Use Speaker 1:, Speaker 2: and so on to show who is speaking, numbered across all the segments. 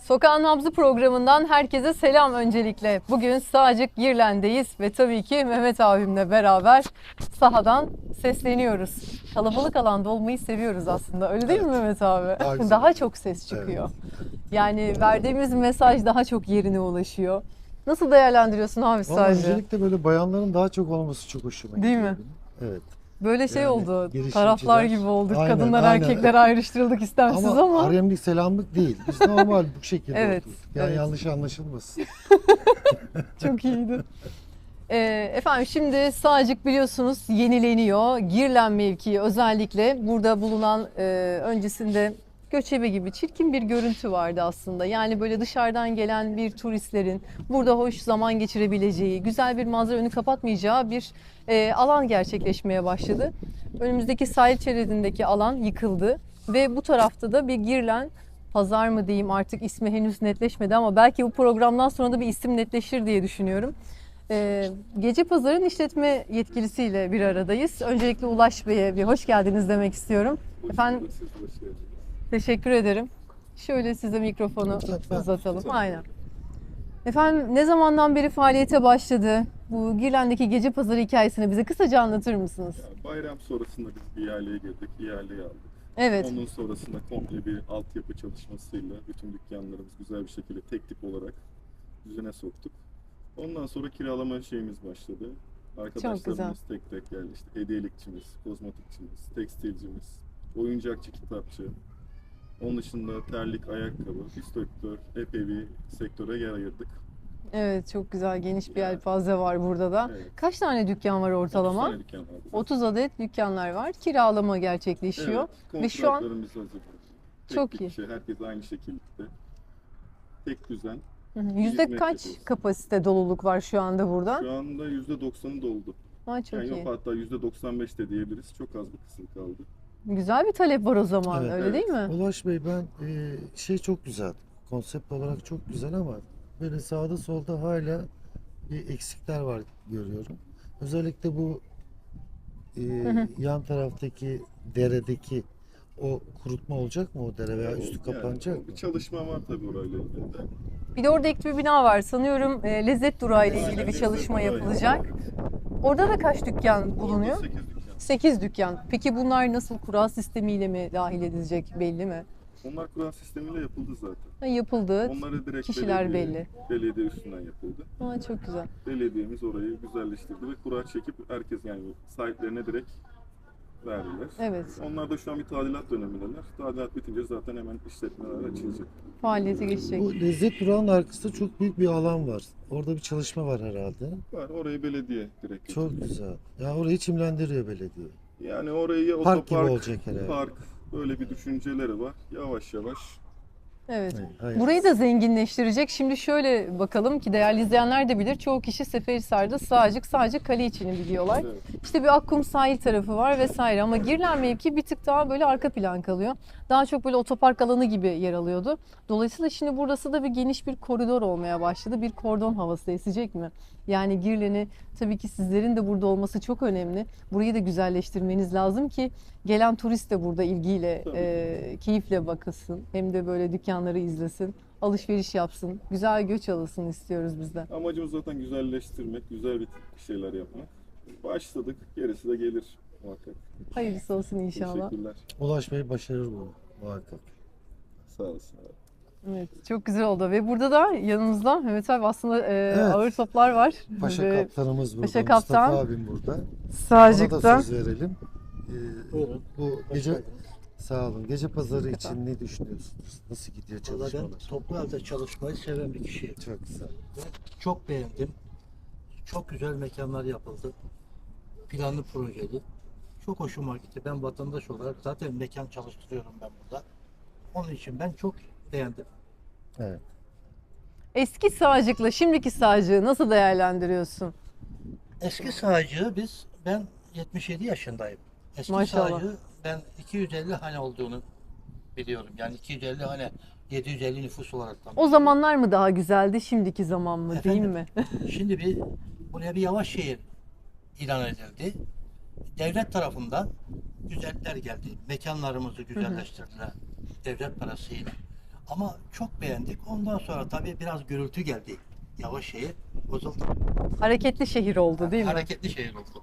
Speaker 1: Sokağın Nabzı programından herkese selam öncelikle. Bugün Sağcık Girlen'deyiz ve tabii ki Mehmet abimle beraber sahadan sesleniyoruz. Kalabalık alanda olmayı seviyoruz aslında. Öyle değil mi Mehmet abi?
Speaker 2: Daha güzel.
Speaker 1: Daha çok ses çıkıyor. Yani verdiğimiz mesaj daha çok yerine ulaşıyor. Nasıl değerlendiriyorsun abi
Speaker 2: Vallahi
Speaker 1: sadece?
Speaker 2: öncelikle böyle bayanların daha çok olması çok hoşuma gidiyor.
Speaker 1: Değil mi?
Speaker 2: benim. Evet.
Speaker 1: Böyle şey
Speaker 2: Yani
Speaker 1: oldu.
Speaker 2: girişimciler-
Speaker 1: Taraflar gibi olduk.
Speaker 2: Aynen,
Speaker 1: Kadınlar
Speaker 2: aynen.
Speaker 1: erkekler ayrıştırıldık istemsiz ama.
Speaker 2: haremlik selamlık değil. Biz normal bu şekilde
Speaker 1: Evet,
Speaker 2: oturduk. Yani
Speaker 1: evet.
Speaker 2: yanlış anlaşılmasın.
Speaker 1: Çok iyiydi. Efendim şimdi Sağcık biliyorsunuz yenileniyor. Girlen mevkii özellikle burada bulunan öncesinde göçebe gibi çirkin bir görüntü vardı aslında. Yani böyle dışarıdan gelen bir turistlerin burada hoş zaman geçirebileceği, güzel bir manzara önü kapatmayacağı bir alan gerçekleşmeye başladı. Önümüzdeki sahil şeridindeki alan yıkıldı ve bu tarafta da bir Girlen pazar mı diyeyim artık ismi henüz netleşmedi ama belki bu programdan sonra da bir isim netleşir diye düşünüyorum. Gece Pazar'ın işletme yetkilisiyle bir aradayız. Öncelikle Ulaş Bey'e bir hoş geldiniz demek istiyorum. Efendim teşekkür ederim. Şöyle size mikrofonu uzatalım. Aynen. Efendim ne zamandan beri faaliyete başladı? Bu Girlen'deki Gece Pazarı hikayesini bize kısaca anlatır mısınız?
Speaker 3: Bayram sonrasında biz bir ihaleye girdik, ihaleyi aldık.
Speaker 1: Evet.
Speaker 3: Onun sonrasında komple bir altyapı çalışmasıyla bütün dükkanlarımız güzel bir şekilde tek tip olarak düzene soktuk. Ondan sonra kiralama şeyimiz başladı. Arkadaşlarımız tek tek geldi. İşte hediyelikçimiz, kozmetikçimiz, tekstilcimiz, oyuncakçı, kitapçı. Onun dışında terlik, ayakkabı, instruktör, epey bir sektöre yer ayırdık.
Speaker 1: Evet çok güzel geniş bir yelpaze var burada da.
Speaker 3: Evet.
Speaker 1: Kaç tane dükkan var
Speaker 3: 30
Speaker 1: ortalama?
Speaker 3: tane dükkan vardı.
Speaker 1: 30 adet dükkanlar var. Kiralama gerçekleşiyor.
Speaker 3: Evet,
Speaker 1: Ve şu an
Speaker 3: kontratlarımız hazır. Tek
Speaker 1: Çok
Speaker 3: bir
Speaker 1: iyi.
Speaker 3: Şey, herkes aynı şekilde. Tek düzen.
Speaker 1: yüzde
Speaker 3: hizmet
Speaker 1: kaç
Speaker 3: yapıyoruz.
Speaker 1: kapasite doluluk var şu anda burada?
Speaker 3: Şu anda %90'ı doldu.
Speaker 1: Ha, çok
Speaker 3: Yani
Speaker 1: iyi.
Speaker 3: yok hatta %95 de diyebiliriz. Çok az bir kısım kaldı.
Speaker 1: Güzel bir talep var o zaman
Speaker 2: Evet.
Speaker 1: öyle
Speaker 3: Evet.
Speaker 1: değil mi?
Speaker 2: Ulaş Bey ben şey çok güzel. Konsept olarak çok güzel ama böyle sağda solda hala bir eksikler var görüyorum. Özellikle bu yan taraftaki deredeki o kurutma olacak mı o dere veya üstü kapanacak
Speaker 3: Bir
Speaker 2: mı?
Speaker 3: çalışma var tabii orayla ilgili de.
Speaker 1: Bir de orada ek bir bina var. Sanıyorum lezzet durağı ile ilgili
Speaker 3: Aynen,
Speaker 1: bir çalışma
Speaker 3: lezzet durağı.
Speaker 1: yapılacak. Orada da kaç dükkan bulunuyor?
Speaker 3: Orada 8 dükkan.
Speaker 1: 8 dükkan. Peki bunlar nasıl kura sistemiyle mi dahil edilecek belli mi?
Speaker 3: Onlar kura sistemiyle yapıldı zaten.
Speaker 1: Ha, yapıldı.
Speaker 3: Onları direkt
Speaker 1: Kişiler
Speaker 3: belediye üstünden yapıldı.
Speaker 1: Ha, çok güzel.
Speaker 3: Belediyemiz orayı güzelleştirdi ve kura çekip herkes yani sahiplerine direkt verdiler.
Speaker 1: Evet.
Speaker 3: Onlar da şu an bir tadilat dönemindeler. Tadilat bitince zaten hemen işletmeler açılacak.
Speaker 1: Faaliyete geçecek.
Speaker 2: Bu lezzet durağının arkasında çok büyük bir alan var. Orada bir çalışma var herhalde.
Speaker 3: Var orayı belediye direkt
Speaker 2: Çok
Speaker 3: götürdü.
Speaker 2: güzel. Ya orayı çimlendiriyor belediye.
Speaker 3: Yani orayı
Speaker 2: Park gibi
Speaker 3: otopark,
Speaker 2: olacak herhalde.
Speaker 3: park böyle bir düşünceleri var. Yavaş yavaş.
Speaker 1: Evet.
Speaker 2: Hayır.
Speaker 1: Burayı da zenginleştirecek. Şimdi şöyle bakalım ki değerli izleyenler de bilir. Çoğu kişi Seferihisar'da sadece kale içini biliyorlar.
Speaker 3: Evet.
Speaker 1: İşte bir Akkum sahil tarafı var vesaire ama Girlen mevki bir tık daha böyle arka plan kalıyor. Daha çok böyle otopark alanı gibi yer alıyordu. Dolayısıyla şimdi burası da bir geniş bir koridor olmaya başladı. Bir kordon havası esecek mi? Yani Girlen'i tabii ki sizlerin de burada olması çok önemli. Burayı da güzelleştirmeniz lazım ki gelen turist de burada ilgiyle,
Speaker 3: Tabii.
Speaker 1: keyifle bakılsın. Hem de böyle dükkanları izlesin, alışveriş yapsın, güzel göç alasın istiyoruz biz de.
Speaker 3: Amacımız zaten güzelleştirmek, güzel bir şeyler yapmak. Başladık, gerisi de gelir muhakkak.
Speaker 1: Hayırlısı olsun inşallah.
Speaker 3: Teşekkürler.
Speaker 2: Ulaş Bey başarır bunu muhakkak.
Speaker 3: Sağ olasın.
Speaker 1: Evet, çok güzel oldu ve burada da yanımızda Mehmet abi aslında ağır toplar var.
Speaker 2: Paşa
Speaker 1: Ve
Speaker 2: kaptanımız burada.
Speaker 1: Paşa
Speaker 2: Mustafa
Speaker 1: kaptan.
Speaker 2: abim burada. Ona da
Speaker 1: Sağcık'ta.
Speaker 2: söz verelim. Bu gece sağ olun. Gece pazarı için ne düşünüyorsunuz? Nasıl gidiyor
Speaker 4: Valla ben
Speaker 2: çalışmalar?
Speaker 4: toplu halde çalışmayı seven bir kişiyim.
Speaker 2: Çok güzel.
Speaker 4: Çok beğendim. Çok güzel mekanlar yapıldı. Planlı projeli. Çok hoşuma gitti. Ben vatandaş olarak zaten mekan çalıştırıyorum ben burada. Onun için ben çok beğendim.
Speaker 2: Evet.
Speaker 1: Eski Sağcık'la şimdiki Sağcık'ı nasıl değerlendiriyorsun?
Speaker 4: Eski sağcığı ben 77 yaşındayım. Eski
Speaker 1: Maşallah.
Speaker 4: sağcığı ben 250 hane olduğunu biliyorum. Yani 250 hane 750 nüfus olarak da.
Speaker 1: O zamanlar mı daha güzeldi, şimdiki zaman mı değil
Speaker 4: Efendim?
Speaker 1: mi?
Speaker 4: Şimdi buraya bir yavaş şehir ilan edildi. Devlet tarafından güzeller geldi. Mekanlarımızı güzelleştirdiler. Devlet parasıyla. Ama çok beğendik. Ondan sonra tabii biraz gürültü geldi. Yavaş şehir bozuldu.
Speaker 1: Hareketli şehir oldu değil mi?
Speaker 4: Hareketli şehir oldu.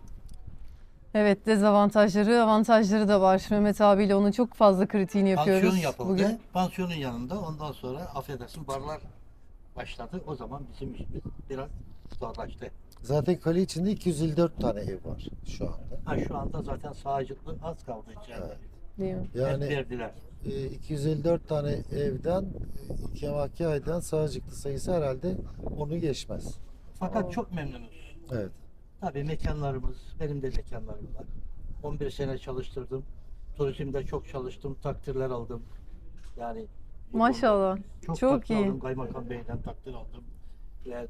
Speaker 1: Evet, dezavantajları, avantajları da var. Mehmet abiyle onun çok fazla kritiğini yapıyoruz
Speaker 4: Pansiyon yapıldı.
Speaker 1: bugün.
Speaker 4: Pansiyonun yanında ondan sonra affedersin barlar başladı. O zaman bizim işimiz biraz zorlaştı.
Speaker 2: Zaten kale içinde 254 tane ev var şu anda.
Speaker 4: Ha, şu anda zaten sağcılığı az kaldı içeride.
Speaker 2: Evet.
Speaker 1: Değil mi?
Speaker 4: Hep
Speaker 2: Yani
Speaker 4: verdiler.
Speaker 2: 254 tane evden iki aydan sağcıklı sayısı herhalde onu geçmez.
Speaker 4: Fakat çok memnunuz.
Speaker 2: Evet.
Speaker 4: Tabii mekanlarımız, benim de mekanlarım var. 11 sene çalıştırdım. Turizmde çok çalıştım, takdirler aldım. Yani
Speaker 1: Maşallah.
Speaker 4: çok
Speaker 1: Çok
Speaker 4: takdir
Speaker 1: iyi.
Speaker 4: aldım. Kaymakam Bey'den takdir aldım. Ve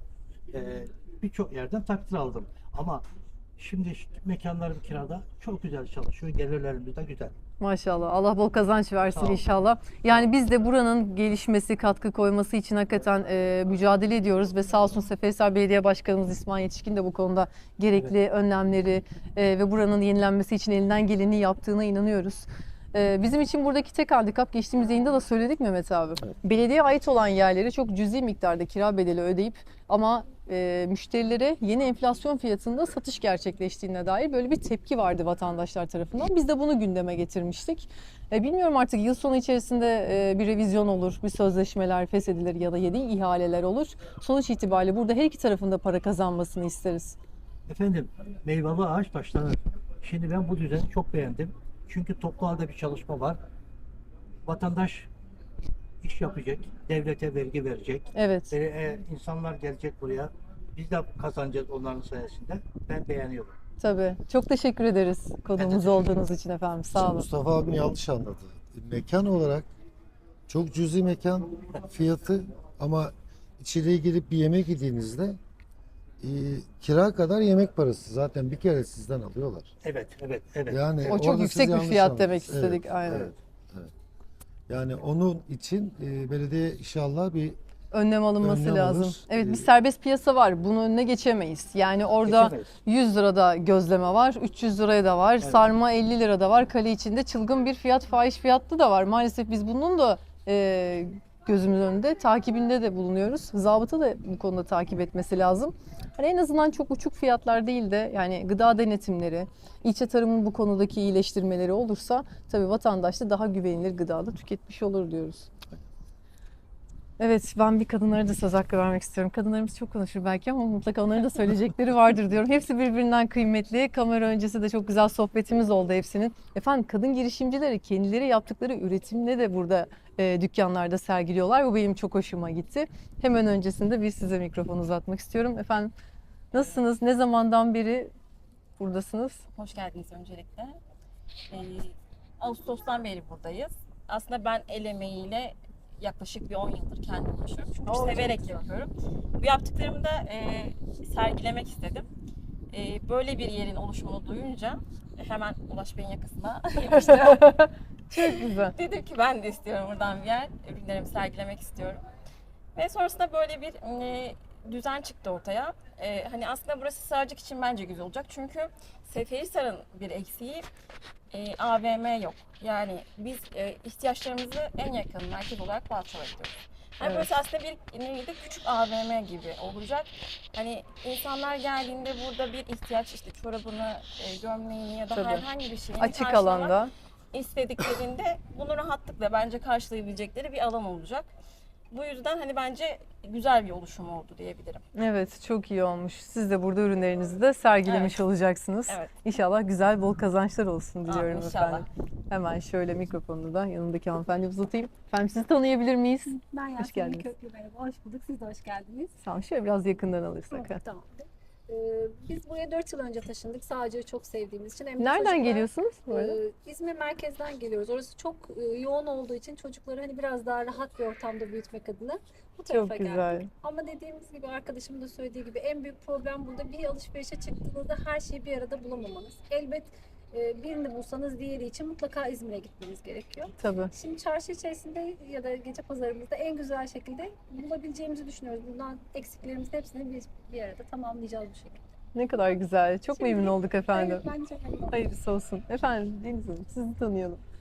Speaker 4: birçok yerden takdir aldım. Ama şimdi mekanlarım kirada çok güzel çalışıyor. Gelirlerimiz de güzel.
Speaker 1: Maşallah. Allah bol kazanç versin
Speaker 4: Sağ ol.
Speaker 1: inşallah. Yani biz de buranın gelişmesi, katkı koyması için hakikaten mücadele ediyoruz ve sağ olsun Seferihisar Belediye Başkanımız İsmail Yetişkin de bu konuda gerekli önlemleri ve buranın yenilenmesi için elinden geleni yaptığına inanıyoruz. Bizim için buradaki tek handikap, geçtiğimiz yayında da söyledik Mehmet abi.
Speaker 2: Evet.
Speaker 1: Belediyeye ait olan yerleri çok cüzi miktarda kira bedeli ödeyip ama müşterilere yeni enflasyon fiyatında satış gerçekleştiğine dair böyle bir tepki vardı vatandaşlar tarafından. Biz de bunu gündeme getirmiştik. Bilmiyorum artık yıl sonu içerisinde bir revizyon olur, bir sözleşmeler feshedilir ya da yeni ihaleler olur. Sonuç itibariyle burada her iki tarafında para kazanmasını isteriz.
Speaker 4: Efendim, meyveli ağaç başlanır. Şimdi ben bu düzeni çok beğendim. Çünkü toplu halde bir çalışma var. Vatandaş iş yapacak, devlete vergi verecek.
Speaker 1: Evet.
Speaker 4: İnsanlar gelecek buraya. Biz de kazanacağız onların sayesinde. Ben beğeniyorum.
Speaker 1: Tabii. Çok teşekkür ederiz konuğumuz olduğunuz için efendim. Sağ
Speaker 2: Şimdi
Speaker 1: olun.
Speaker 2: Mustafa abim yanlış anladı. Mekan olarak çok cüzi mekan fiyatı ama içeriye girip bir yemek yediğinizde kira kadar yemek parası zaten bir kere sizden alıyorlar.
Speaker 4: Evet, evet, evet.
Speaker 2: Yani
Speaker 1: O çok
Speaker 2: orada
Speaker 1: yüksek
Speaker 2: siz
Speaker 1: bir
Speaker 2: yanlış
Speaker 1: fiyat
Speaker 2: anladınız.
Speaker 1: demek istedik, aynen.
Speaker 2: Evet, evet. Yani onun için belediye inşallah bir
Speaker 1: Önlem alınması
Speaker 2: Önlem
Speaker 1: lazım.
Speaker 2: alır.
Speaker 1: Evet, bir serbest piyasa var. Bunun önüne geçemeyiz. Yani orada
Speaker 4: Geçemeyiz.
Speaker 1: 100 lirada gözleme var, 300 liraya da var, sarma 50 lirada var. Kale içinde çılgın bir fiyat, fahiş fiyatlı da var. Maalesef biz bunun da gözümüz önünde, takibinde de bulunuyoruz. Zabıta da bu konuda takip etmesi lazım. Hani en azından çok uçuk fiyatlar değil de yani gıda denetimleri, ilçe tarımın bu konudaki iyileştirmeleri olursa tabii vatandaş da daha güvenilir gıdada tüketmiş olur diyoruz. Evet, ben bir kadınlara da söz hakkı vermek istiyorum. Kadınlarımız çok konuşur belki ama mutlaka onların da söyleyecekleri vardır diyorum. Hepsi birbirinden kıymetli. Kamera öncesi de çok güzel sohbetimiz oldu hepsinin. Efendim kadın girişimcileri kendileri yaptıkları üretimle de burada dükkanlarda sergiliyorlar. Bu benim çok hoşuma gitti. Hemen öncesinde bir size mikrofon uzatmak istiyorum. Efendim nasılsınız? Ne zamandan beri buradasınız?
Speaker 5: Hoş geldiniz öncelikle. Ağustos'tan beri buradayız. Aslında ben el emeğiyle yaklaşık bir 10 yıldır kendim uğraşıyorum. Çünkü severek yapıyorum. Bu yaptıklarımı da sergilemek istedim. Böyle bir yerin oluşumunu duyunca hemen Ulaş Bey'in yakasına yapıştım.
Speaker 1: Çok güzel.
Speaker 5: Dedim ki ben de istiyorum buradan bir yer. Ürünlerimi sergilemek istiyorum. Ve sonrasında böyle bir düzen çıktı ortaya. Hani aslında burası Sığacık için bence güzel olacak. Çünkü Seferihisar'ın bir eksiği AVM yok. Yani biz ihtiyaçlarımızı en yakın merkez olarak Balçova'ya gidiyoruz. Yani
Speaker 1: Evet.
Speaker 5: burası aslında bir nevi de küçük AVM gibi olacak. Hani insanlar geldiğinde burada bir ihtiyaç işte çorabını, gömleğini ya da
Speaker 1: Tabii.
Speaker 5: herhangi bir şeyini
Speaker 1: Açık
Speaker 5: karşılamak
Speaker 1: alanda.
Speaker 5: istediklerinde bunu rahatlıkla bence karşılayabilecekleri bir alan olacak. Bu yüzden hani bence güzel bir oluşum oldu diyebilirim.
Speaker 1: Evet, çok iyi olmuş. Siz de burada ürünlerinizi de sergilemiş olacaksınız.
Speaker 5: Evet.
Speaker 1: İnşallah güzel, bol kazançlar olsun diliyorum
Speaker 5: inşallah.
Speaker 1: efendim. Hemen şöyle mikrofonu da yanındaki hanımefendi uzatayım. Efendim sizi tanıyabilir miyiz?
Speaker 6: Ben
Speaker 1: Hoş
Speaker 6: Yasemin
Speaker 1: geldiniz.
Speaker 6: Köprü, merhaba. Hoş bulduk. Siz de hoş geldiniz.
Speaker 1: Sağ olun. Şöyle biraz yakından alırsak. ha.
Speaker 6: Tamamdır. Biz buraya 4 yıl önce taşındık. Sağcığı çok sevdiğimiz için. Hem de
Speaker 1: Nereden
Speaker 6: çocuklar,
Speaker 1: geliyorsunuz? bu arada?
Speaker 6: İzmir merkezden geliyoruz. Orası çok yoğun olduğu için çocukları hani biraz daha rahat bir ortamda büyütmek adına bu tarafa
Speaker 1: Çok güzel.
Speaker 6: geldik. Ama dediğimiz gibi arkadaşımın da söylediği gibi en büyük problem burada bir alışverişe çıktığınızda her şeyi bir arada bulamamanız. Elbet birini bulsanız diğeri için mutlaka İzmir'e gitmeniz gerekiyor.
Speaker 1: Tabii.
Speaker 6: Şimdi çarşı içerisinde ya da gece pazarımızda en güzel şekilde bulabileceğimizi düşünüyoruz. Bundan eksiklerimizin hepsini biz bir arada tamamlayacağız bu şekilde.
Speaker 1: Ne kadar güzel. Çok
Speaker 6: Şimdi-
Speaker 1: memnun olduk efendim.
Speaker 6: Evet, bence çok memnun oldum.
Speaker 1: Hayırlısı olsun. Efendim Deniz Hanım sizi tanıyalım.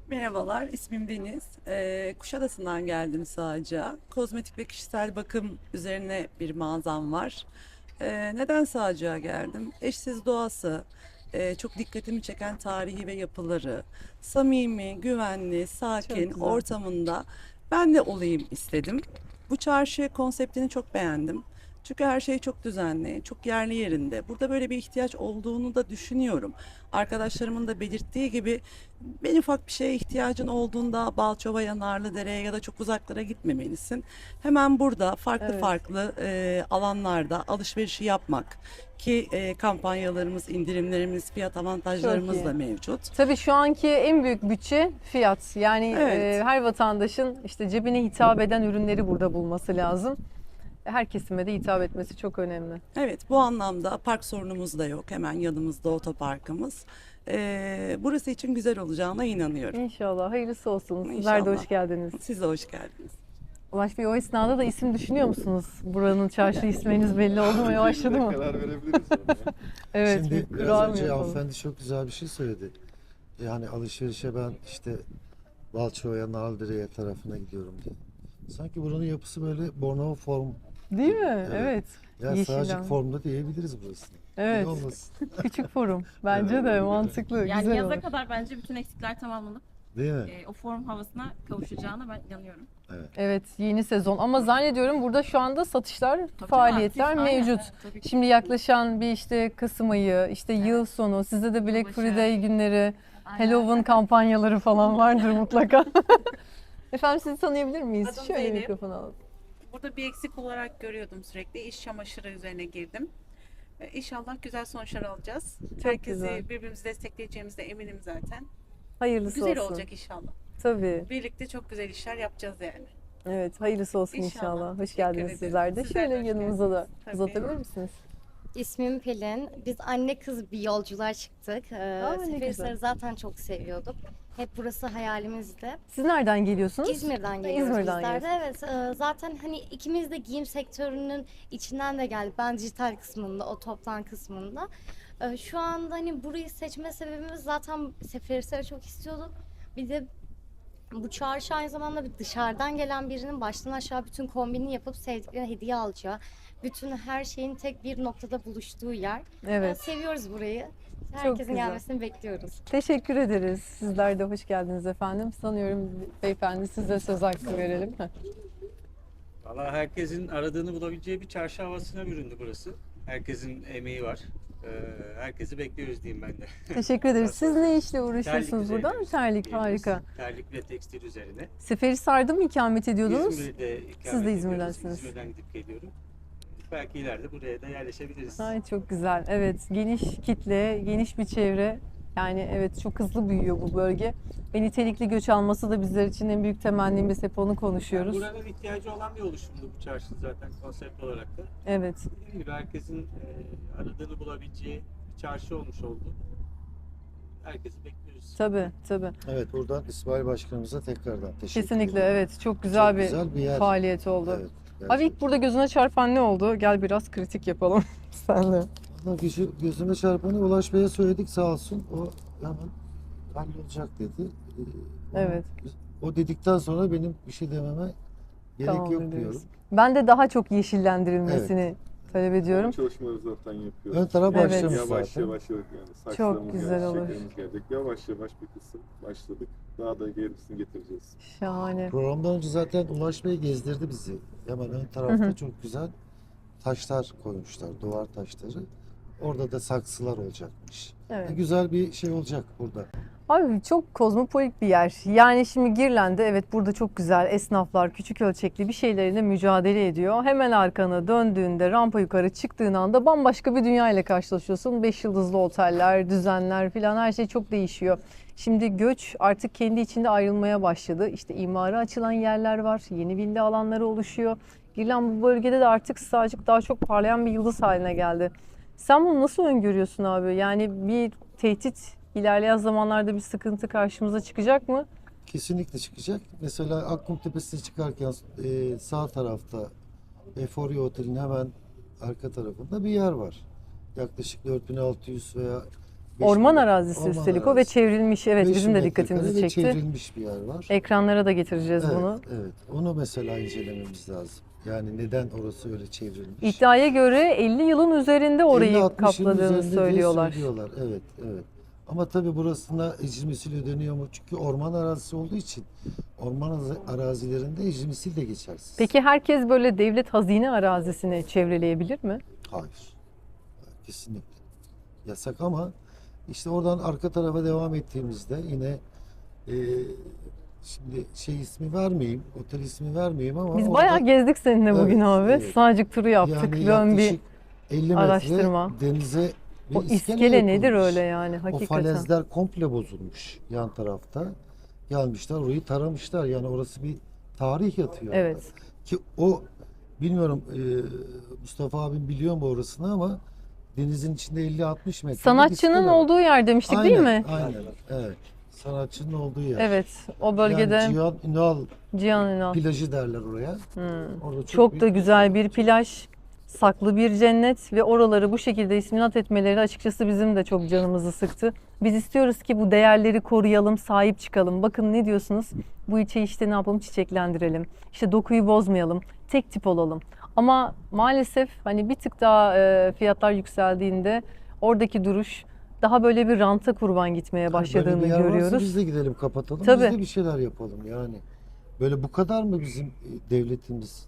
Speaker 7: Merhabalar, ismim Deniz. Kuşadası'ndan geldim sadece. Kozmetik ve kişisel bakım üzerine bir mağazam var. Neden Sağcık'a geldim? Eşsiz doğası, çok dikkatimi çeken tarihi ve yapıları, samimi, güvenli, sakin
Speaker 1: güzel.
Speaker 7: ortamında ben de olayım istedim. Bu çarşı konseptini çok beğendim. Çünkü her şey çok düzenli, çok yerli yerinde. Burada böyle bir ihtiyaç olduğunu da düşünüyorum. Arkadaşlarımın da belirttiği gibi en ufak bir şeye ihtiyacın olduğunda Balçova'ya, Narlıdere'ye ya da çok uzaklara gitmemelisin. Hemen burada farklı
Speaker 1: Evet.
Speaker 7: farklı alanlarda alışverişi yapmak ki kampanyalarımız, indirimlerimiz, fiyat avantajlarımız
Speaker 1: iyi.
Speaker 7: da mevcut.
Speaker 1: Tabii şu anki en büyük bütçe fiyat. Yani
Speaker 7: Evet.
Speaker 1: her vatandaşın işte cebine hitap eden ürünleri burada bulması lazım. Her kesime de hitap etmesi çok önemli.
Speaker 7: Evet, bu anlamda park sorunumuz da yok. Hemen yanımızda otoparkımız. Burası için güzel olacağına inanıyorum.
Speaker 1: İnşallah hayırlısı olsun. Sizler de
Speaker 7: İnşallah.
Speaker 1: hoş geldiniz.
Speaker 7: Siz de hoş geldiniz.
Speaker 1: Ulaş Bey, o esnada da isim düşünüyor musunuz? Buranın çarşı isminiz belli oldu mu? Yavaşladı mı?
Speaker 3: Karar verebiliriz ona.
Speaker 1: Evet,
Speaker 2: Şimdi
Speaker 1: bir
Speaker 2: biraz
Speaker 1: kural mı
Speaker 2: önce
Speaker 1: yapalım?
Speaker 2: hanımefendi çok güzel bir şey söyledi. Yani alışverişe ben işte Balçova'ya, Narlıdere'ye tarafına gidiyorum diye. Sanki buranın yapısı böyle Bornova form.
Speaker 1: Değil mi?
Speaker 2: Evet.
Speaker 1: Evet.
Speaker 2: Ya
Speaker 1: Yeşilden.
Speaker 2: Sağcık formda diyebiliriz burasını.
Speaker 1: Evet.
Speaker 2: İyi olmasın.
Speaker 1: Küçük forum. Bence de mantıklı.
Speaker 5: Yani
Speaker 1: güzel
Speaker 5: yaza
Speaker 1: olur.
Speaker 5: kadar bence bütün eksikler tamamlanıp
Speaker 2: Değil mi?
Speaker 5: o form havasına kavuşacağına ben inanıyorum.
Speaker 1: Evet, yeni sezon. Ama zannediyorum burada şu anda satışlar,
Speaker 5: Tabii
Speaker 1: faaliyetler
Speaker 5: tabii, aktif,
Speaker 1: mevcut.
Speaker 5: aynen, tabii ki.
Speaker 1: Şimdi yaklaşan bir işte Kasım ayı, işte yıl sonu, sizde de Black
Speaker 5: Yılbaşı.
Speaker 1: Friday günleri,
Speaker 5: Aynen.
Speaker 1: Halloween kampanyaları falan vardır mutlaka. Efendim, sizi tanıyabilir miyiz?
Speaker 8: Adım
Speaker 1: Şöyle
Speaker 8: Zeynep.
Speaker 1: mikrofonu alalım.
Speaker 8: Burada bir eksik olarak görüyordum sürekli. İş çamaşırı üzerine girdim. İnşallah güzel sonuçlar alacağız. Herkesi
Speaker 1: güzel.
Speaker 8: birbirimizi destekleyeceğimize eminim zaten.
Speaker 1: Hayırlısı
Speaker 8: Güzel
Speaker 1: olsun.
Speaker 8: olacak inşallah.
Speaker 1: Tabii.
Speaker 8: Birlikte çok güzel işler yapacağız yani.
Speaker 1: Evet, hayırlısı olsun
Speaker 8: İnşallah.
Speaker 1: inşallah. Hoş
Speaker 8: Teşekkür
Speaker 1: geldiniz
Speaker 8: ederim.
Speaker 1: sizler de.
Speaker 8: Sizler de
Speaker 1: Şöyle
Speaker 8: hoş
Speaker 1: yanımıza da
Speaker 8: geldiniz. Tabii.
Speaker 1: uzatabilir misiniz?
Speaker 9: İsmim Pelin. Biz anne kız bir yolculuğa çıktık.
Speaker 1: Aa, ne güzel.
Speaker 9: Seferihisar'ı zaten çok seviyorduk. Hep burası hayalimizdi.
Speaker 1: Siz nereden geliyorsunuz?
Speaker 9: İzmir'den geliyoruz
Speaker 1: İzmir'den
Speaker 9: bizler de. Evet, zaten hani ikimiz de giyim sektörünün içinden de geldik. Ben dijital kısmında, o toptan kısmında. Şu anda hani burayı seçme sebebimiz zaten Seferihisar'ı çok istiyorduk. Bir de bu çarşı aynı zamanda bir dışarıdan gelen birinin baştan aşağı bütün kombini yapıp sevdiklerine hediye alacağı, bütün her şeyin tek bir noktada buluştuğu yer.
Speaker 1: Evet.
Speaker 9: Seviyoruz burayı.
Speaker 1: Çok
Speaker 9: Herkesin
Speaker 1: güzel.
Speaker 9: gelmesini bekliyoruz.
Speaker 1: Teşekkür ederiz. Sizler de hoş geldiniz efendim. Sanıyorum beyefendi size söz hakkı verelim.
Speaker 10: Valla herkesin aradığını bulabileceği bir çarşı havasına büründü burası. Herkesin emeği var. Herkesi bekliyoruz diyeyim ben de.
Speaker 1: Teşekkür ederiz. Siz ne işle uğraşıyorsunuz
Speaker 10: üzerine
Speaker 1: burada? Terlik,
Speaker 10: diyebiliriz.
Speaker 1: harika.
Speaker 10: Terlik ve tekstil üzerine.
Speaker 1: Seferihisar'da mı ikamet ediyordunuz?
Speaker 10: İzmir'de ikamet
Speaker 1: Siz de
Speaker 10: ediyoruz.
Speaker 1: İzmir'densiniz.
Speaker 10: İzmir'den gidip geliyorum. Belki ileride buraya da yerleşebiliriz.
Speaker 1: Ay çok güzel. Evet, geniş kitle, geniş bir çevre. Yani evet, çok hızlı büyüyor bu bölge. Ve nitelikli göç alması da bizler için en büyük temennimiz. Hep onu konuşuyoruz.
Speaker 10: Buranın ihtiyacı olan bir oluşumdu bu çarşı zaten konsept olarak da.
Speaker 1: Evet.
Speaker 10: Dediğim gibi herkesin aradığını bulabileceği bir çarşı olmuş oldu. Herkesi bekliyoruz.
Speaker 1: Tabii, tabii.
Speaker 2: Evet, buradan İsmail Başkanımıza tekrardan teşekkür
Speaker 1: Kesinlikle
Speaker 2: ederim.
Speaker 1: evet. Çok güzel,
Speaker 2: Çok güzel bir yer.
Speaker 1: faaliyet oldu.
Speaker 2: Evet,
Speaker 1: Abi ilk burada gözüne çarpan ne oldu? Gel biraz kritik yapalım senle.
Speaker 2: Valla gözüme çarpanı Ulaş Bey'e söyledik sağ olsun. O hemen hallolacak dedi.
Speaker 1: Evet.
Speaker 2: O dedikten sonra benim bir şey dememe gerek
Speaker 1: Tamam,
Speaker 2: yok
Speaker 1: ediyoruz.
Speaker 2: diyorum.
Speaker 1: Ben de daha çok yeşillendirilmesini talep ediyorum.
Speaker 3: Çalışmaları zaten yapıyoruz.
Speaker 2: Ön taraf
Speaker 1: Evet.
Speaker 2: başlamış
Speaker 3: Yavaş
Speaker 2: zaten.
Speaker 3: yavaş yani saksılarımız
Speaker 1: güzel
Speaker 3: geldi,
Speaker 1: olur.
Speaker 3: çiçeklerimiz gelecek. Yavaş yavaş bir kısım başladık. Daha da gerisini getireceğiz.
Speaker 1: Şahane.
Speaker 2: Programdan önce zaten Ulaş Bey gezdirdi bizi. Hemen ön tarafta
Speaker 1: Hı hı.
Speaker 2: çok güzel taşlar koymuşlar, duvar taşları. Orada da saksılar olacakmış.
Speaker 1: Evet.
Speaker 2: Güzel bir şey olacak burada.
Speaker 1: Abi çok kozmopolit bir yer. Yani şimdi Girland'de evet burada çok güzel esnaflar küçük ölçekli bir şeylerle mücadele ediyor. Hemen arkana döndüğünde rampa yukarı çıktığın anda bambaşka bir dünya ile karşılaşıyorsun. 5 yıldızlı oteller, düzenler filan her şey çok değişiyor. Şimdi göç artık kendi içinde ayrılmaya başladı. İşte imara açılan yerler var, yeni villa alanları oluşuyor. Girland bu bölgede de artık Sığacık daha çok parlayan bir yıldız haline geldi. Sen bunu nasıl öngörüyorsun abi? Yani bir tehdit ilerleyen zamanlarda bir sıkıntı karşımıza çıkacak mı?
Speaker 2: Kesinlikle çıkacak. Mesela Akkum Tepesi'ne çıkarken sağ tarafta Euphoria Otel'in hemen arka tarafında bir yer var. Yaklaşık 4600 veya
Speaker 1: Orman
Speaker 2: metre.
Speaker 1: arazisi
Speaker 2: Orman
Speaker 1: üstelik o ve
Speaker 2: arazisi.
Speaker 1: çevrilmiş. Evet
Speaker 2: 5
Speaker 1: bizim de
Speaker 2: metrekare
Speaker 1: dikkatimizi
Speaker 2: ve
Speaker 1: çekti.
Speaker 2: çevrilmiş bir yer var.
Speaker 1: Ekranlara da getireceğiz
Speaker 2: Evet,
Speaker 1: bunu.
Speaker 2: evet. Onu mesela incelememiz lazım. Yani neden orası öyle çevrilmiş?
Speaker 1: İddiaya göre 50 yılın üzerinde orayı
Speaker 2: 50-60 yılın
Speaker 1: kapladığını
Speaker 2: üzerinde diye
Speaker 1: söylüyorlar.
Speaker 2: Evet, evet. Ama tabii burasına ecri misil ödeniyor mu? Çünkü orman arazisi olduğu için orman arazilerinde ecri misil de geçersiz.
Speaker 1: Peki herkes böyle devlet hazine arazisini çevreleyebilir mi?
Speaker 2: Hayır. Kesinlikle. Yasak ama işte oradan arka tarafa devam ettiğimizde yine e, şimdi şey ismi vermeyeyim, otel ismi vermeyeyim ama
Speaker 1: Biz
Speaker 2: orada
Speaker 1: bayağı gezdik seninle bugün
Speaker 2: Evet,
Speaker 1: abi.
Speaker 2: evet.
Speaker 1: Sağcık turu yaptık.
Speaker 2: yani
Speaker 1: Dön bir
Speaker 2: yaklaşık 50 metre
Speaker 1: araştırma.
Speaker 2: denize bir
Speaker 1: o iskele nedir
Speaker 2: yapılmış.
Speaker 1: öyle yani
Speaker 2: O
Speaker 1: hakikaten.
Speaker 2: falezler komple bozulmuş yan tarafta. Gelmişler orayı taramışlar. Yani orası bir tarih yatıyor.
Speaker 1: Evet.
Speaker 2: orada. Ki o bilmiyorum Mustafa abim biliyor mu orasını ama denizin içinde 50-60 metre. bir
Speaker 1: Sanatçının
Speaker 2: iskele var.
Speaker 1: olduğu yer demiştik değil mi?
Speaker 2: Aynen. Evet. Sanatçının olduğu yer.
Speaker 1: Evet. O bölgede
Speaker 2: Yani Cihan Ünal
Speaker 1: Cihan Ünal.
Speaker 2: plajı derler oraya.
Speaker 1: Hmm.
Speaker 2: Orada
Speaker 1: Çok da
Speaker 2: büyük
Speaker 1: güzel bir plaj, saklı bir cennet ve oraları bu şekilde isminat etmeleri açıkçası bizim de çok canımızı sıktı. Biz istiyoruz ki bu değerleri koruyalım, sahip çıkalım. Bakın ne diyorsunuz? Bu ilçeyi işte ne yapalım? Çiçeklendirelim. İşte dokuyu bozmayalım. Tek tip olalım. Ama maalesef hani bir tık daha fiyatlar yükseldiğinde oradaki duruş daha böyle bir ranta kurban gitmeye başladığını
Speaker 2: Böyle bir yer varsa
Speaker 1: görüyoruz.
Speaker 2: biz de gidelim kapatalım.
Speaker 1: Tabii.
Speaker 2: Biz de bir şeyler yapalım yani. Böyle bu kadar mı bizim devletimiz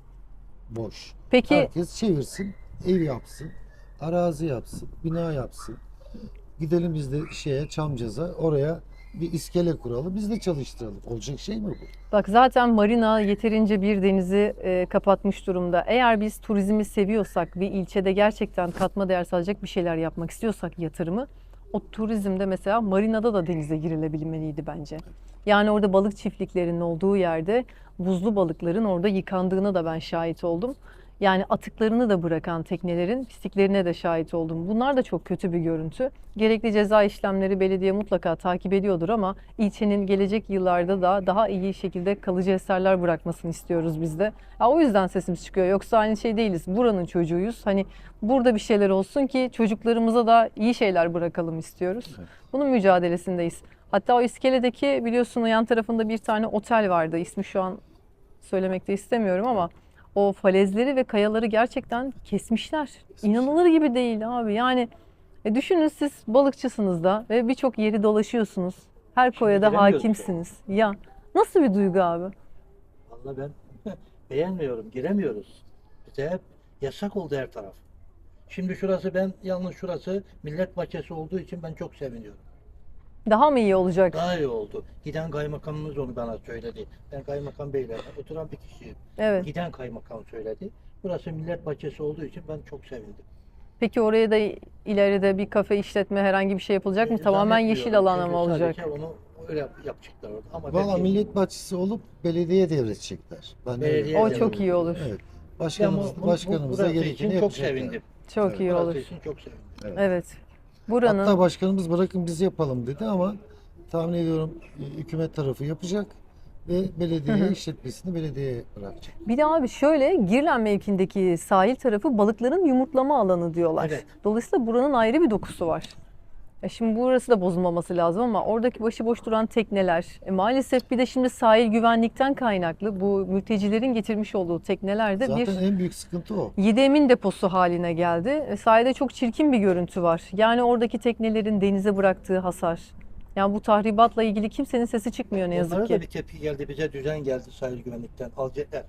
Speaker 2: boş?
Speaker 1: Peki
Speaker 2: Herkes çevirsin, ev yapsın, arazi yapsın, bina yapsın. Gidelim biz de Çamcaz'a oraya bir iskele kuralım. Biz de çalıştıralım. Olacak şey mi bu?
Speaker 1: bak zaten marina yeterince bir denizi kapatmış durumda. Eğer biz turizmi seviyorsak, bir ilçede gerçekten katma değer sağlayacak bir şeyler yapmak istiyorsak yatırımı, o turizmde mesela marinada da denize girilebilmeliydi bence. Yani orada balık çiftliklerinin olduğu yerde buzlu balıkların orada yıkandığına da ben şahit oldum. Yani atıklarını da bırakan teknelerin pisliklerine de şahit oldum. Bunlar da çok kötü bir görüntü. Gerekli ceza işlemleri belediye mutlaka takip ediyordur ama ilçenin gelecek yıllarda da daha iyi şekilde kalıcı eserler bırakmasını istiyoruz biz de. Ya o yüzden sesimiz çıkıyor. Yoksa aynı şey değiliz. Buranın çocuğuyuz. Hani burada bir şeyler olsun ki çocuklarımıza da iyi şeyler bırakalım istiyoruz.
Speaker 2: Evet.
Speaker 1: Bunun mücadelesindeyiz. Hatta o iskeledeki biliyorsun o yan tarafında bir tane otel vardı. İsmi şu an söylemek de istemiyorum ama o falezleri ve kayaları gerçekten kesmişler. İnanılır gibi değil abi. Yani düşünün siz balıkçısınız da ve birçok yeri dolaşıyorsunuz. Her koya da
Speaker 4: giremiyoruz
Speaker 1: hakimsiniz. Ya nasıl bir duygu abi?
Speaker 4: Vallahi ben beğenmiyorum, giremiyoruz. Bize hep yasak oldu her taraf. Şimdi şurası yalnız şurası millet bahçesi olduğu için ben çok seviniyorum.
Speaker 1: Daha mı iyi olacak?
Speaker 4: Daha iyi oldu. Giden kaymakamımız onu bana söyledi. Ben kaymakam beyle oturan bir kişiyim.
Speaker 1: Evet.
Speaker 4: Giden kaymakam söyledi. Burası millet bahçesi olduğu için ben çok sevindim.
Speaker 1: Peki oraya da ileride bir kafe işletme herhangi bir şey yapılacak mı? Tamamen yeşil alan
Speaker 4: Çünkü
Speaker 1: mı olacak?
Speaker 4: sadece onu öyle yapacaklar orada. Ama
Speaker 2: Valla
Speaker 4: belki-
Speaker 2: millet bahçesi olup belediye devredecekler. Ben öyle
Speaker 4: Belediye
Speaker 1: O
Speaker 2: biliyorum.
Speaker 1: çok iyi olur.
Speaker 2: Evet.
Speaker 4: Ben
Speaker 2: Başkanımız da
Speaker 4: burası
Speaker 2: gerekeni
Speaker 4: için çok
Speaker 2: yapacaklar.
Speaker 4: sevindim.
Speaker 1: Çok iyi
Speaker 4: Burası
Speaker 1: olur.
Speaker 4: için çok sevindim.
Speaker 1: Evet. Buranın
Speaker 2: Hatta başkanımız bırakın biz yapalım dedi ama tahmin ediyorum hükümet tarafı yapacak ve belediye işletmesini belediyeye bırakacak.
Speaker 1: bir de abi şöyle Girlen mevkindeki sahil tarafı balıkların yumurtlama alanı diyorlar.
Speaker 4: Evet.
Speaker 1: Dolayısıyla buranın ayrı bir dokusu var. Şimdi burası da bozulmaması lazım ama oradaki başıboş duran tekneler, maalesef bir de şimdi sahil güvenlikten kaynaklı bu mültecilerin getirmiş olduğu teknelerde
Speaker 2: Zaten
Speaker 1: bir
Speaker 2: en büyük sıkıntı o.
Speaker 1: Yedemin deposu haline geldi. Sahilde çok çirkin bir görüntü var. Yani oradaki teknelerin denize bıraktığı hasar. Yani bu tahribatla ilgili kimsenin sesi çıkmıyor ne yazık
Speaker 4: Onlara
Speaker 1: ki.
Speaker 4: da bir tepki geldi. Bize düzen geldi sahil güvenlikten. Alacaklar.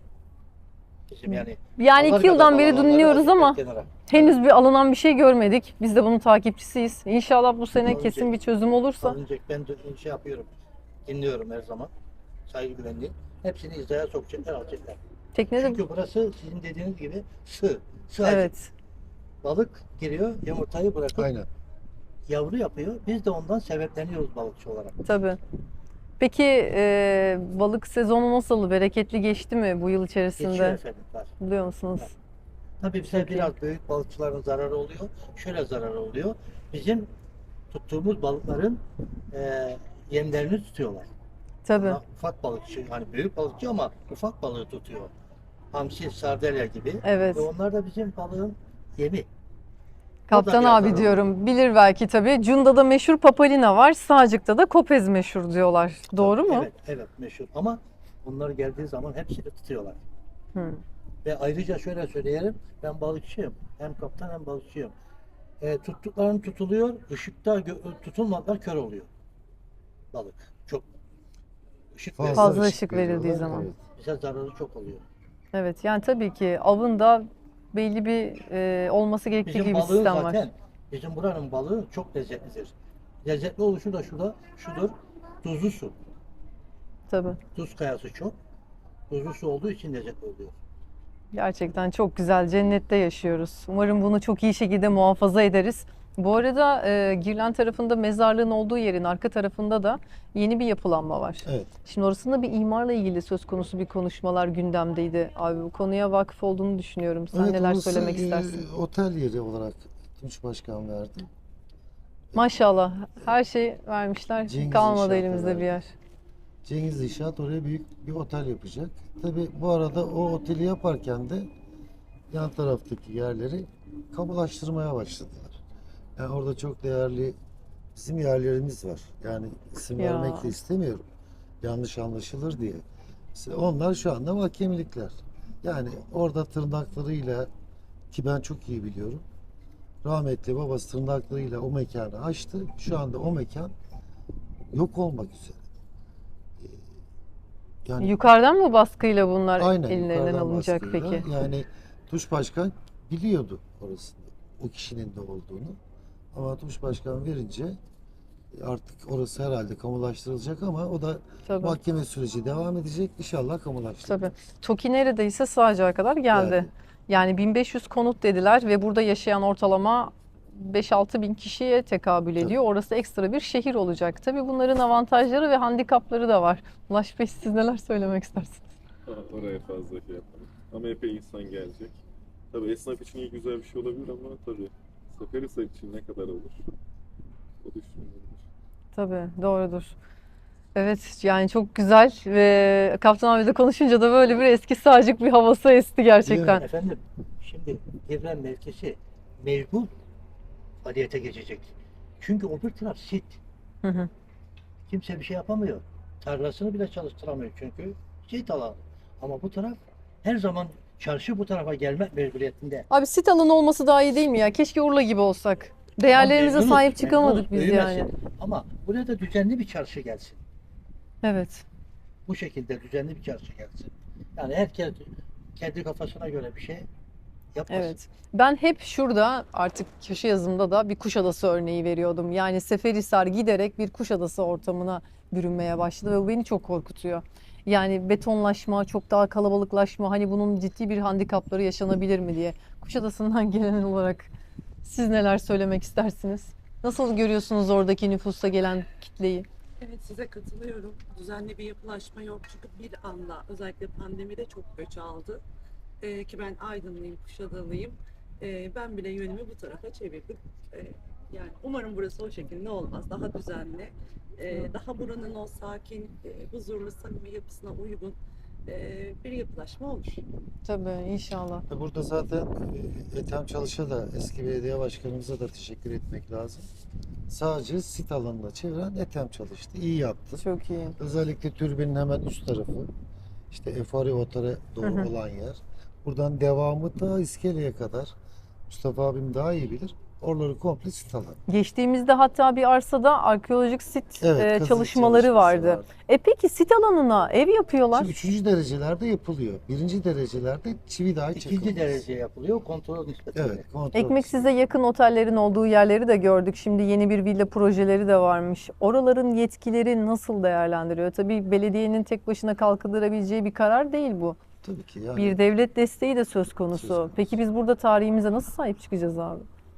Speaker 4: Bizim yani.
Speaker 1: Yani 2 yıldan beri dinliyoruz ama
Speaker 4: kenara.
Speaker 1: henüz bir alınan bir şey görmedik. Biz de bunun takipçisiyiz. İnşallah bu sene
Speaker 4: Alınacak.
Speaker 1: kesin bir çözüm olursa.
Speaker 4: Alınacak. Ben de şey yapıyorum. Dinliyorum her zaman. Sahil güvenliği. Hepsini hizaya sokacaklar, alacaklar.
Speaker 1: Teknede
Speaker 4: Çünkü burası sizin dediğiniz gibi sığ. Sığ
Speaker 1: evet.
Speaker 4: Balık giriyor, yumurtayı bırakıp
Speaker 2: Aynen.
Speaker 4: yavru yapıyor. Biz de ondan sebepleniyoruz balıkçı olarak.
Speaker 1: Tabii. Peki balık sezonu nasıl? Bereketli geçti mi bu yıl
Speaker 4: Geçiyor
Speaker 1: içerisinde?
Speaker 4: efendim. Var.
Speaker 1: Biliyor musunuz?
Speaker 4: Evet. Tabii bize
Speaker 1: Çok iyi.
Speaker 4: biraz büyük balıkçıların zararı oluyor. Şöyle zararı oluyor. Bizim tuttuğumuz balıkların yemlerini tutuyorlar.
Speaker 1: Tabii.
Speaker 4: Ama ufak balıkçı, hani büyük balıkçı ama ufak balığı tutuyor. Hamsi, sardalya gibi.
Speaker 1: Evet.
Speaker 4: Ve onlar da bizim balığın yemi.
Speaker 1: Kaptan
Speaker 4: bir
Speaker 1: abi
Speaker 4: atar.
Speaker 1: diyorum. Bilir belki tabii. Cunda'da meşhur papalina var. Sağcık'ta da kopez meşhur diyorlar. Doğru mu?
Speaker 4: Evet, evet meşhur. Ama onlar geldiği zaman hepsini tutuyorlar.
Speaker 1: Hı.
Speaker 4: Ve ayrıca şöyle söyleyelim, ben balıkçıyım. Hem kaptan hem balıkçıyım. Tuttuklarım tutuluyor, ışıkta tutulmadan kör oluyor balık. Çok ışık
Speaker 1: Fazla
Speaker 4: veriyor.
Speaker 1: ışık verildiği
Speaker 2: veriyorlar,
Speaker 1: zaman.
Speaker 2: evet.
Speaker 4: Bize zararı çok oluyor.
Speaker 1: Evet yani tabii ki avında belli bir olması gerektiği
Speaker 4: Bizim
Speaker 1: gibi bir
Speaker 4: balığı
Speaker 1: sistem
Speaker 4: zaten,
Speaker 1: var.
Speaker 4: bizim buranın balığı çok lezzetlidir. Lezzetli oluşu da şudur, tuzlu su.
Speaker 1: Tabii.
Speaker 4: Tuz kayası çok. Tuzlu su olduğu için lezzetli oluyor.
Speaker 1: Gerçekten çok güzel. Cennette yaşıyoruz. Umarım bunu çok iyi şekilde muhafaza ederiz. Bu arada Girlen tarafında mezarlığın olduğu yerin arka tarafında da yeni bir yapılanma var.
Speaker 2: Evet.
Speaker 1: Şimdi orasında bir imarla ilgili söz konusu bir konuşmalar gündemdeydi. Abi bu konuya vakıf olduğunu düşünüyorum. Sen
Speaker 2: Evet,
Speaker 1: neler
Speaker 2: orası,
Speaker 1: söylemek istersin?
Speaker 2: Otel yeri olarak Tunç Başkan verdi.
Speaker 1: Maşallah her şey vermişler.
Speaker 2: Cengiz
Speaker 1: Kalmadı
Speaker 2: İnşaat'a
Speaker 1: elimizde bir
Speaker 2: verdi.
Speaker 1: yer.
Speaker 2: Cengiz İnşaat oraya büyük bir otel yapacak. Tabii bu arada o oteli yaparken de yan taraftaki yerleri kamulaştırmaya başladılar. Yani orada çok değerli bizim yerlerimiz var. Yani isim
Speaker 1: Ya.
Speaker 2: vermek de istemiyorum. Yanlış anlaşılır diye. Mesela onlar şu anda mahkemelikler. Yani orada tırnaklarıyla, ki ben çok iyi biliyorum. Rahmetli babası tırnaklarıyla o mekanı açtı. Şu anda o mekan yok olmak üzere. Yani
Speaker 1: Yukarıdan mı baskıyla bunlar
Speaker 2: aynen
Speaker 1: ellerinden
Speaker 2: yukarıdan
Speaker 1: alınacak
Speaker 2: baskıyla.
Speaker 1: peki?
Speaker 2: Yani Tuş Başkan biliyordu orasında o kişinin de olduğunu. Ama Tuş Başkan verince artık orası herhalde kamulaştırılacak ama o da
Speaker 1: Tabii.
Speaker 2: mahkeme süreci devam edecek. İnşallah kamulaştırılır.
Speaker 1: Tabii. TOKİ neredeyse Sığacak'a kadar geldi.
Speaker 2: Yani.
Speaker 1: Yani 1500 konut dediler ve burada yaşayan ortalama 5-6 bin kişiye tekabül ediyor. Orası ekstra bir şehir olacak. Tabii bunların avantajları ve handikapları da var. Ulaş Bey siz neler söylemek istersiniz?
Speaker 3: Oraya fazla şey yapalım. Ama epey insan gelecek. Tabii esnaf için iyi güzel bir şey olabilir ama tabii Seferihisar için ne kadar olur? O düşünülür.
Speaker 1: Tabii doğrudur. Evet yani çok güzel ve Kaptan abi de konuşunca da böyle bir eski Sığacık bir havası esti gerçekten.
Speaker 4: Efendim, şimdi Girlen mevkisi mecbur faaliyete geçecek. Çünkü öbür taraf sit.
Speaker 1: Hı hı.
Speaker 4: Kimse bir şey yapamıyor. Tarlasını bile çalıştıramıyor çünkü sit alan. Ama bu taraf her zaman çarşı bu tarafa gelmek mecburiyetinde.
Speaker 1: Abi sit alanı olması daha iyi değil mi ya? Keşke Urla gibi olsak. Değerlerimize
Speaker 4: Memnunuz,
Speaker 1: sahip çıkamadık
Speaker 4: memnunuz,
Speaker 1: biz yani.
Speaker 4: büyümesin. Ama buraya da düzenli bir çarşı gelsin.
Speaker 1: Evet.
Speaker 4: Bu şekilde düzenli bir çarşı gelsin. Yani herkes kendi kafasına göre bir şey yapmasın.
Speaker 1: Evet. Ben hep şurada artık köşe yazımda da bir Kuşadası örneği veriyordum. Yani Seferihisar giderek bir Kuşadası ortamına bürünmeye başladı ve bu beni çok korkutuyor. Yani betonlaşma, çok daha kalabalıklaşma, hani bunun ciddi bir handikapları yaşanabilir mi diye. Kuşadası'ndan gelen olarak siz neler söylemek istersiniz? Nasıl görüyorsunuz oradaki nüfusa gelen kitleyi?
Speaker 7: Evet size katılıyorum. Düzenli bir yapılaşma yok çünkü bir anda özellikle pandemide çok göç aldı. Ki ben Aydınlıyım, Kuşadalıyım. Ben bile yönümü bu tarafa çevirdim. Yani umarım burası o şekilde olmaz. Daha düzenli, daha buranın o sakin, huzurlu, samimi yapısına uygun bir yapılaşma olur.
Speaker 1: Tabii inşallah.
Speaker 2: Burada zaten Ethem Çalış'a da eski belediye başkanımıza da teşekkür etmek lazım. Sadece sit alanına çeviren Ethem Çalış'tı. İyi yaptı.
Speaker 1: Çok iyi.
Speaker 2: Özellikle türbinin hemen üst tarafı, işte Efari Otar'a doğru
Speaker 1: Hı hı.
Speaker 2: olan yer. Buradan devamı ta iskeleye kadar. Mustafa abim daha iyi bilir. Oraları komple sit alan.
Speaker 1: Geçtiğimizde hatta bir arsada arkeolojik sit
Speaker 2: Kazı
Speaker 1: çalışmaları
Speaker 2: çalışması
Speaker 1: vardı. Peki sit alanına ev yapıyorlar.
Speaker 2: Şimdi üçüncü derecelerde yapılıyor. Birinci derecelerde çivi dahi
Speaker 4: İkinci
Speaker 2: çakılmaz.
Speaker 4: derece yapılıyor kontrol nispetinde.
Speaker 2: Evet, kontrol.
Speaker 1: Ekmek size yakın otellerin olduğu yerleri de gördük. Şimdi yeni bir villa projeleri de varmış. Oraların yetkileri nasıl değerlendiriyor? Tabii belediyenin tek başına kalkındırabileceği bir karar değil bu.
Speaker 2: Tabii ki yani.
Speaker 1: Bir devlet desteği de söz konusu.
Speaker 2: Söz konusu.
Speaker 1: Peki biz burada tarihimize nasıl sahip çıkacağız abi?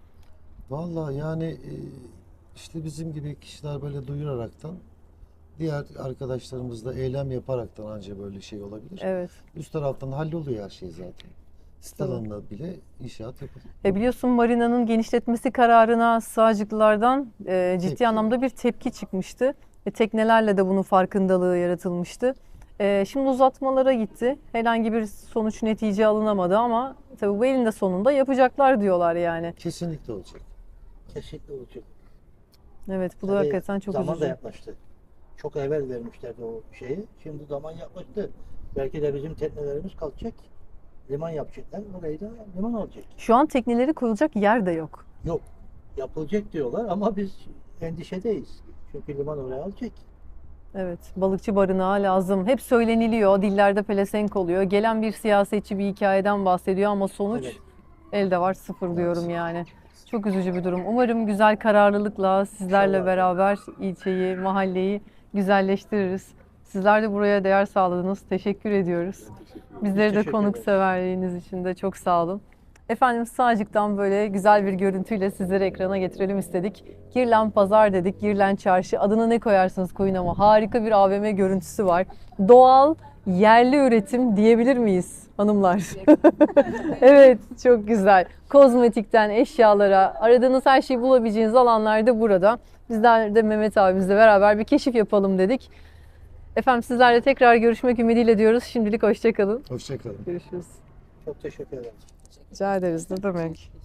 Speaker 2: Vallahi yani işte bizim gibi kişiler böyle duyuraraktan, diğer arkadaşlarımız da eylem yaparaktan anca böyle şey olabilir.
Speaker 1: Evet.
Speaker 2: Üst taraftan halloluyor her şey zaten. Sit
Speaker 1: Tabii.
Speaker 2: alanına bile inşaat yapılıyor.
Speaker 1: Biliyorsun marinanın genişletmesi kararına Sığacıklılardan ciddi
Speaker 2: Tepki.
Speaker 1: anlamda bir tepki çıkmıştı. Teknelerle de bunun farkındalığı yaratılmıştı. Şimdi uzatmalara gitti. Herhangi bir sonuç netice alınamadı ama tabii bu elinde sonunda yapacaklar diyorlar yani.
Speaker 2: Kesinlikle olacak.
Speaker 4: Kesinlikle olacak.
Speaker 1: Evet bu da
Speaker 4: Tabii
Speaker 1: hakikaten çok
Speaker 4: zaman da
Speaker 1: üzücü.
Speaker 4: yaklaştı. Çok evvel vermişlerdi o şeyi. Şimdi zaman yaklaştı. Belki de bizim teknelerimiz kalkacak. Liman yapacaklar. Orayı da liman olacak.
Speaker 1: Şu an tekneleri koyulacak yer de yok.
Speaker 4: Yok. Yapılacak diyorlar ama biz endişedeyiz. Çünkü liman oraya alacak.
Speaker 1: Evet, balıkçı barınağı lazım. Hep söyleniliyor, dillerde pelesenk oluyor. Gelen bir siyasetçi bir hikayeden bahsediyor ama sonuç
Speaker 4: Evet.
Speaker 1: elde var, sıfır diyorum yani. Çok üzücü bir durum. Umarım güzel kararlılıkla sizlerle
Speaker 4: İnşallah.
Speaker 1: beraber ilçeyi, mahalleyi güzelleştiririz. Sizler de buraya değer sağladınız. Teşekkür ediyoruz. Bizleri de
Speaker 4: teşekkür ederiz.
Speaker 1: konukseverliğiniz için de çok sağ olun. Efendim Sığacık'tan böyle güzel bir görüntüyle sizleri ekrana getirelim istedik. Girlen Pazar dedik, Girlen Çarşı. Adına ne koyarsınız koyun ama harika bir AVM görüntüsü var. Doğal, yerli üretim diyebilir miyiz hanımlar? Evet, çok güzel. Kozmetikten eşyalara, aradığınız her şeyi bulabileceğiniz alanlar da burada. Bizler de Mehmet abimizle beraber bir keşif yapalım dedik. Efendim sizlerle tekrar görüşmek ümidiyle diyoruz. Şimdilik hoşça kalın.
Speaker 2: Hoşça kalın.
Speaker 1: Görüşürüz.
Speaker 4: Çok teşekkür ederim.
Speaker 1: Rica ederiz. Ne demek?